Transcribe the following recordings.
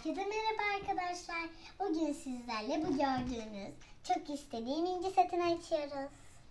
Herkese merhaba arkadaşlar. Bugün sizlerle bu gördüğünüz çok istediğim inci setini açıyoruz.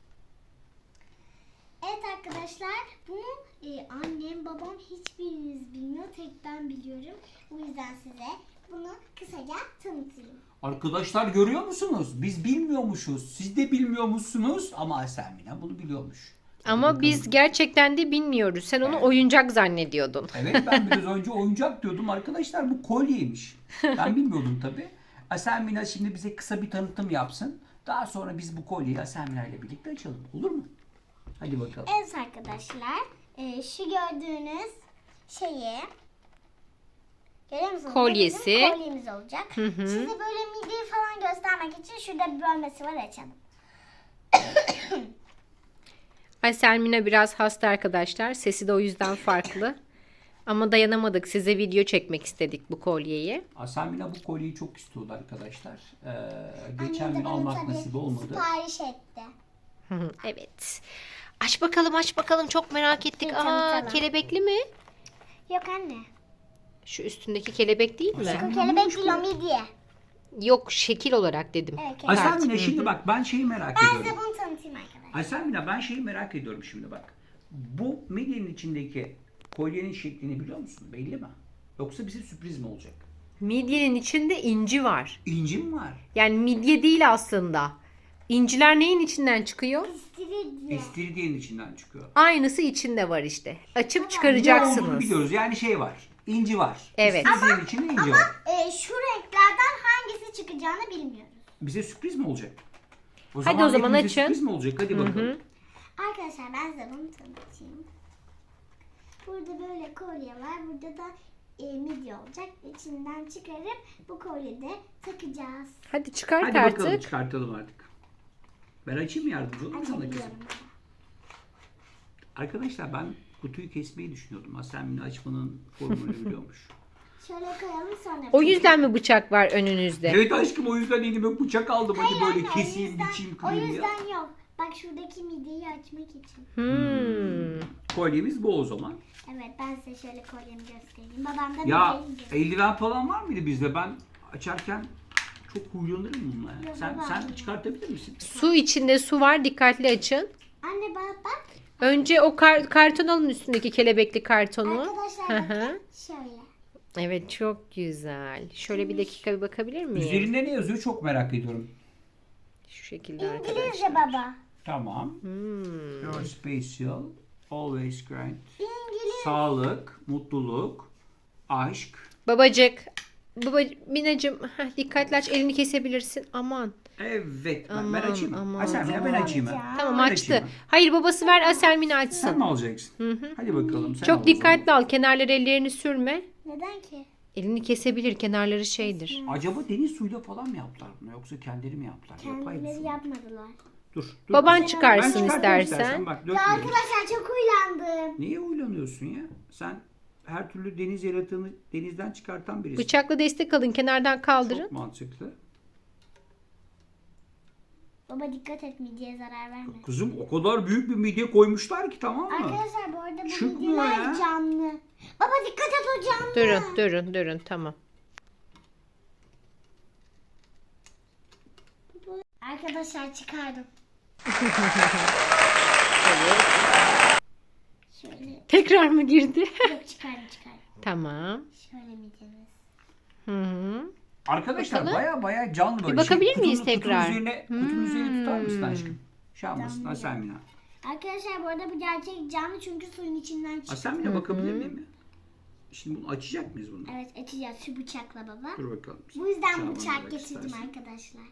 Evet arkadaşlar, bunu annem babam hiçbiriniz bilmiyor, tek ben biliyorum. O yüzden size bunu kısaca tanıtayım. Arkadaşlar görüyor musunuz? Biz bilmiyormuşuz. Siz de bilmiyormuşsunuz ama Aselmina bunu biliyormuş. Ama biz gerçekten de bilmiyoruz. Sen onu oyuncak zannediyordun. Evet, ben biraz önce oyuncak diyordum. Arkadaşlar bu kolyeymiş. Ben bilmiyordum tabii. Aselmina şimdi bize kısa bir tanıtım yapsın. Daha sonra biz bu kolyeyi Aselmina ile birlikte açalım. Olur mu? Hadi bakalım. Evet arkadaşlar, şu gördüğünüz şeyi görüyor musunuz? Kolyesi. Bizim kolyemiz olacak. Size böyle mideyi falan göstermek için şurada bir bölmesi var, açalım. Aselmina biraz hasta arkadaşlar. Sesi de o yüzden farklı. Ama dayanamadık. Size video çekmek istedik bu kolyeyi. Aselmina bu kolyeyi çok istiyordu arkadaşlar. Annem Geçen de gün bana almak tabii nasip olmadı. sipariş etti. Evet. Aç bakalım, aç bakalım. Çok merak ettik. Bir Aa, tanıtalım. kelebekli mi? Yok anne. Şu üstündeki kelebek değil mi? Bu kelebek değil, o midye. Yok, şekil olarak dedim. Evet, kelebek. Aselmina şimdi bak ben şeyi merak Ben ediyorum. size bunu tanıtayım arkadaşlar. Aselmina ben şeyi merak ediyorum şimdi bak. Bu midyenin içindeki kolyenin şeklini biliyor musun? Belli mi? Yoksa bize sürpriz mi olacak? Midyenin içinde inci var. İnci mi var? Yani midye değil aslında. İnciler neyin içinden çıkıyor? İstiridye. İstiridyenin içinden çıkıyor. Aynısı içinde var işte. Açıp Ne olduğunu çıkaracaksınız. biliyoruz. Yani şey var. İnci var. Evet. İstiridyenin içinde inci var. Şu renklerden hangisi çıkacağını bilmiyoruz. Bize sürpriz mi olacak? Hadi o zaman hepimize açın. Sürpriz mi olacak? Hadi bakalım. Arkadaşlar ben size bunu tanıtayım. Burada böyle kolye var. Burada da midye olacak. İçinden çıkarıp bu kolyede takacağız. Hadi çıkart Hadi artık. bakalım çıkartalım artık. Ben açayım mı, yardımcı olayım mı sana kızım? Açabiliyorum. Arkadaşlar ben kutuyu kesmeyi düşünüyordum. Aselmina açmanın formülünü biliyormuş. Şöyle koyalım sonra. O yüzden mi bıçak var önünüzde? Evet aşkım, o yüzden elime bıçak aldım. Hadi Hayır böyle anne, keseyim, biçeyim, o kırayım ya. yüzden yok. Bak şuradaki midyeyi açmak için. Kolyemiz bu o zaman. Evet, ben size şöyle kolyemi göstereyim. Babam da Ya midyeyi eldiven falan var mıydı bizde? Ben açarken çok huylanırım bununla ya. Yok, Sen baba. çıkartabilir misin? Su içinde su var. Dikkatli açın. Anne bak. Önce o karton alın, üstündeki kelebekli kartonu. Arkadaşlar Hı hı. bakın şöyle. Evet, çok güzel. Şöyle bir dakika bir bakabilir miyim? Üzerinde ne yazıyor çok merak ediyorum. Şu şekilde arkadaşlar. İngilizce baba. Tamam. Your special, always grind. İngiliz. Sağlık, mutluluk, aşk. Babacık. Minacığım, dikkatli aç, elini kesebilirsin. Aman. Evet. Ben Aman, açayım mı? aman. Aselmina ben açayım mı? Tamam, Ben açtı. açayım mı? Hayır, babası ver, Aselmina Sen açsın. mi alacaksın? Hadi bakalım. Sen al o Çok zaman. dikkatli al. Kenarları ellerini sürme. Neden ki? Elini kesebilir. Kenarları şeydir. Acaba deniz suyuyla falan mı yaptılar bunu, yoksa kendileri mi yaptılar? Yapay bir Kendileri su. yapmadılar. Dur. Baban kızım. çıkarsın Ben çıkartayım istersen. Bak Ya dökmüyorum. arkadaşlar çok uylandım. Niye uylanıyorsun ya? Sen her türlü deniz yaratığını denizden çıkartan birisin. Bıçakla destek alın. Kenardan kaldırın. Çok mantıklı. Baba dikkat et, midyeye zarar verme. Kızım o kadar büyük bir midye koymuşlar ki, tamam mı? Arkadaşlar bu arada bu Çıkmıyor midyeler ya. canlı. Baba dikkat et, o canlı. Durun. Tamam. Arkadaşlar çıkardım. Şöyle. Tekrar mı girdi? Yok, çıkardım. Tamam. Şöyle midyemiz. Hı. Arkadaşlar Bakalım. baya canlı böyle. Bir bakabilir miyiz kutunun tekrar? Kutunun üzerine tutar mısın aşkım? Şey yapmasın Canlı. Aselmina. Arkadaşlar bu arada bu gerçek canlı, çünkü suyun içinden çıktı. Aselmina bakabilir miyim ya? Şimdi bunu açacak mıyız bunu? Evet, açacağız şu bıçakla baba. Dur bakalım. Bu yüzden Bıçağı bıçak bana getirdim istersen. arkadaşlar.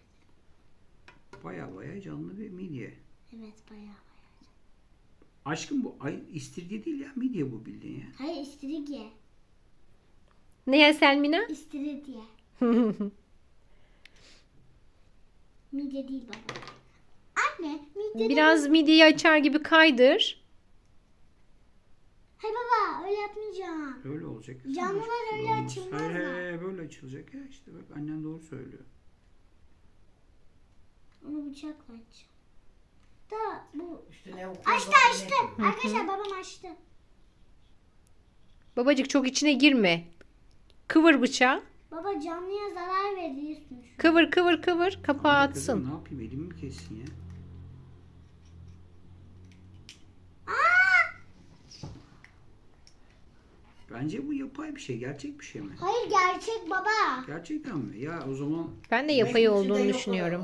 Baya canlı bir midye. Evet, bayağı. Aşkım bu istiridye değil ya, midye bu bildiğin ya. Hayır, istiridye. Ne ya Selmina? İstiridye. Midye değil baba. Anne, midye Biraz midyeyi açar gibi kaydır. Hayır baba, öyle yapmayacağım. Öyle olacak. Canlılar öyle Olmaz. açılmazlar. Hayır, böyle açılacak ya, işte bak annen doğru söylüyor. Onu bıçakla aç. Da bu... Üstüne Açtı. Arkadaşlar babam açtı. Babacık çok içine girme. Kıvır bıçağı. Baba canlıya zarar veriyorsun. Kıvır kıvır kıvır. Kapağı Abi kızım, atsın. ne yapayım, elimi mi kessin ya? Bence bu yapay bir şey. Gerçek bir şey mi? Hayır gerçek baba. Gerçekten mi? Ya o zaman Ben de yapay olduğunu düşünüyorum.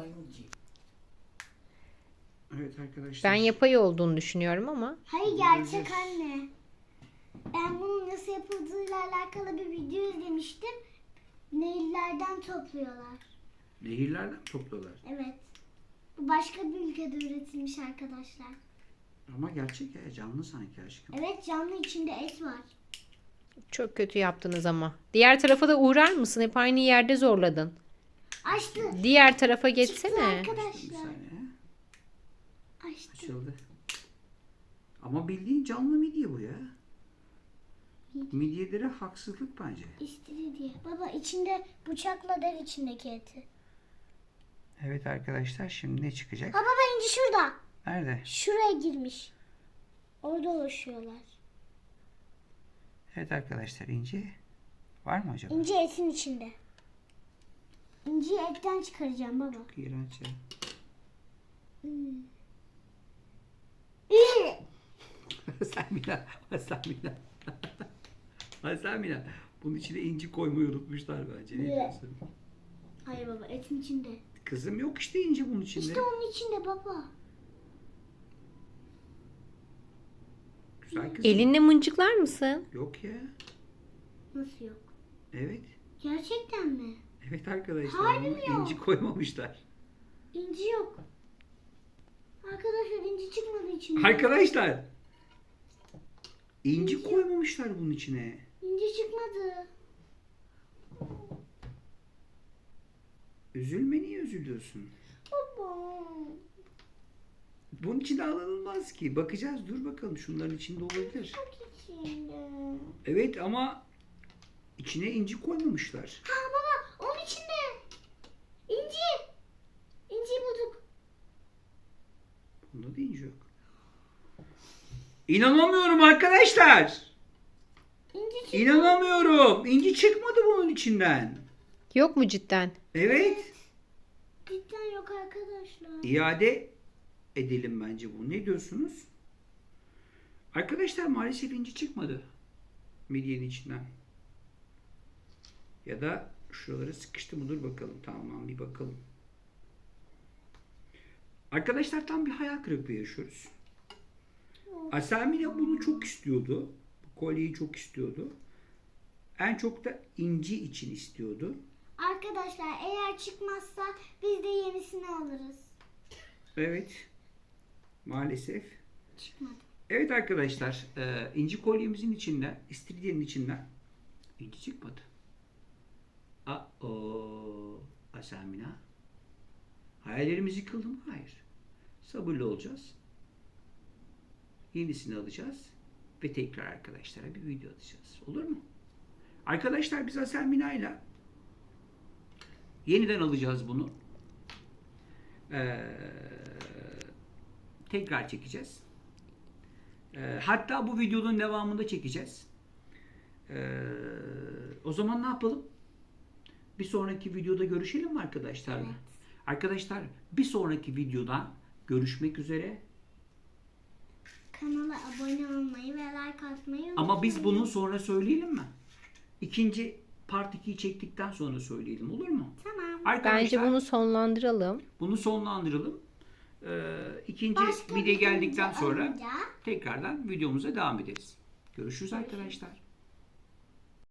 evet arkadaşlar. Ben yapay olduğunu düşünüyorum ama. Hayır gerçek anne. Ben bunun nasıl yapıldığıyla alakalı bir video izlemiştim. Nehirlerden topluyorlar. Nehirlerden topluyorlar. Evet. Bu başka bir ülkede üretilmiş arkadaşlar. Ama gerçek ya, canlı sanki aşkım. Evet canlı içinde et var. Çok kötü yaptınız ama. Diğer tarafa da uğrar mısın? Hep aynı yerde zorladın. Açtı. Diğer tarafa Çıktı geçsene. Bir arkadaşlar. saniye. Açtı. Açıldı. Ama bildiğin canlı midye bu ya. Midyelere haksızlık bence. İstiridye. Baba içinde bıçakla der içindeki eti. Evet arkadaşlar, şimdi ne çıkacak? Ha baba inci şurada. Nerede? Şuraya girmiş. Orada oluşuyorlar. Evet arkadaşlar, inci var mı acaba? İnci etin içinde. İnciyi etten çıkaracağım baba. İğrenç ya. Selmina, Selmina. Selmina. Bunun içine inci koymayı unutmuşlar bence. Ne Evet. diyorsun? Hayır baba etin içinde. Kızım yok işte inci bunun içinde. İşte onun içinde baba. Güzel kızım. Elinle mıncıklar mısın? Yok ya. Nasıl yok? Evet. Gerçekten mi? Evet arkadaşlar. Harbi ama mi yok? inci koymamışlar. İnci yok. Arkadaşlar inci çıkmadı içinde. Arkadaşlar. İnci koymamışlar bunun içine. İnci çıkmadı. Üzülme, niye üzülüyorsun? Baba. Bunun içinde alınılmaz ki. Bakacağız, dur bakalım, şunların içinde olabilir. Bak içinde. Evet ama içine inci koymamışlar. Ha baba onun içinde. İnci. İnciyi bulduk. Bunda da inci yok. İnanamıyorum arkadaşlar. İnci çıktı. İnanamıyorum. İnci çıkmadı bunun içinden. Yok mu cidden? Evet. Cidden yok arkadaşlar. İade edelim bence bunu. Ne diyorsunuz? Arkadaşlar maalesef inci çıkmadı. Midyenin içinden. Ya da şuraları sıkıştı mı? Dur bakalım. Tamam, bir bakalım. Arkadaşlar tam bir hayal kırıklığı yaşıyoruz. Selmina bunu çok istiyordu. Bu kolyeyi çok istiyordu. En çok da inci için istiyordu. Arkadaşlar eğer çıkmazsa biz de yenisini alırız. Evet. Maalesef. Çıkmadı. Evet arkadaşlar. İnci kolyemizin içinden, istiridyenin içinden inci çıkmadı. Selmina. Hayallerimiz yıkıldı mı? Hayır. Sabırlı olacağız. Yenisini alacağız. Ve tekrar arkadaşlara bir video atacağız. Olur mu? Arkadaşlar biz Selmina ile yeniden alacağız bunu. Tekrar çekeceğiz. Hatta bu videonun devamında çekeceğiz. O zaman ne yapalım? Bir sonraki videoda görüşelim mi arkadaşlar? Evet. Arkadaşlar bir sonraki videoda görüşmek üzere. Kanala abone olmayı ve like atmayı unutmayın. Ama biz bunu sonra söyleyelim mi? İkinci part 2'yi çektikten sonra söyleyelim, olur mu? Tamam. Arkadaşlar Bence bunu sonlandıralım. bunu sonlandıralım. İkinci Başka video bir geldikten video sonra alınca- tekrardan videomuza devam ederiz. Görüşürüz arkadaşlar.